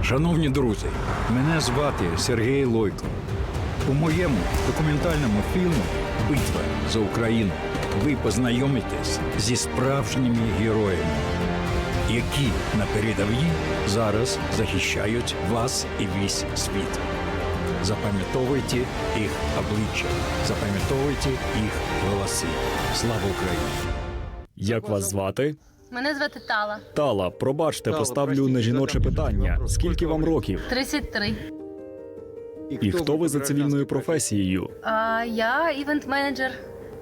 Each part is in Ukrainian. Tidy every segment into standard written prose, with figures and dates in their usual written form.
Шановні друзі, мене звати Сергій Лойко. У моєму документальному фільму «Битва за Україну» ви познайомитесь зі справжніми героями, які на передовій зараз захищають вас і весь світ. Запам'ятовуйте їх обличчя, запам'ятовуйте їх голоси. Слава Україні! Як вас звати? Мене звати Тала. Тала, пробачте, поставлю нежіноче питання. Скільки вам років? 33. І хто ви за цивільною професією? Я івент-менеджер.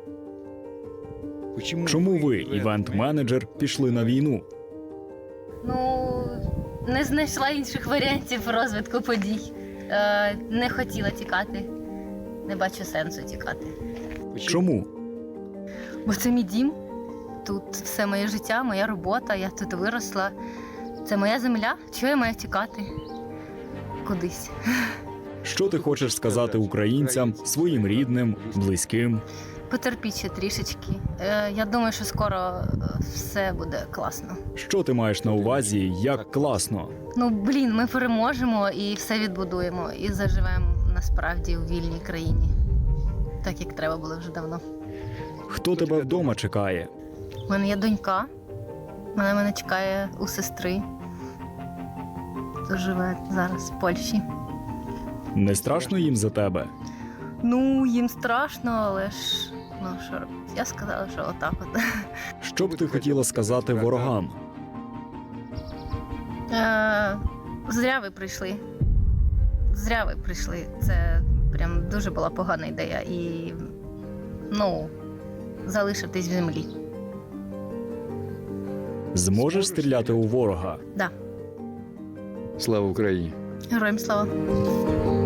Чому ви, івент-менеджер, пішли на війну? Ну, не знайшла інших варіантів розвитку подій. Не хотіла тікати. Не бачу сенсу тікати. Чому? Бо це мій дім. Тут все моє життя, моя робота, я тут виросла. Це моя земля. Чого я маю тікати? Кудись. Що ти хочеш сказати українцям, своїм рідним, близьким? Потерпіть ще трішечки. Я думаю, що скоро все буде класно. Що ти маєш на увазі, як класно? Ну, ми переможемо і все відбудуємо. І заживемо насправді у вільній країні. Так, як треба було вже давно. Хто тебе вдома чекає? У мене є донька. Вона мене чекає у сестри. Хто живе зараз в Польщі. Не страшно їм за тебе? Ну, їм страшно, але ж, ну що робити? Я сказала, що отак от. Що б ти хотіла сказати ворогам? Зря ви прийшли. Зря ви прийшли. Це прям дуже була погана ідея. І, залишитись в землі. Зможеш стріляти у ворога? Да. Слава Україні! Героям слава.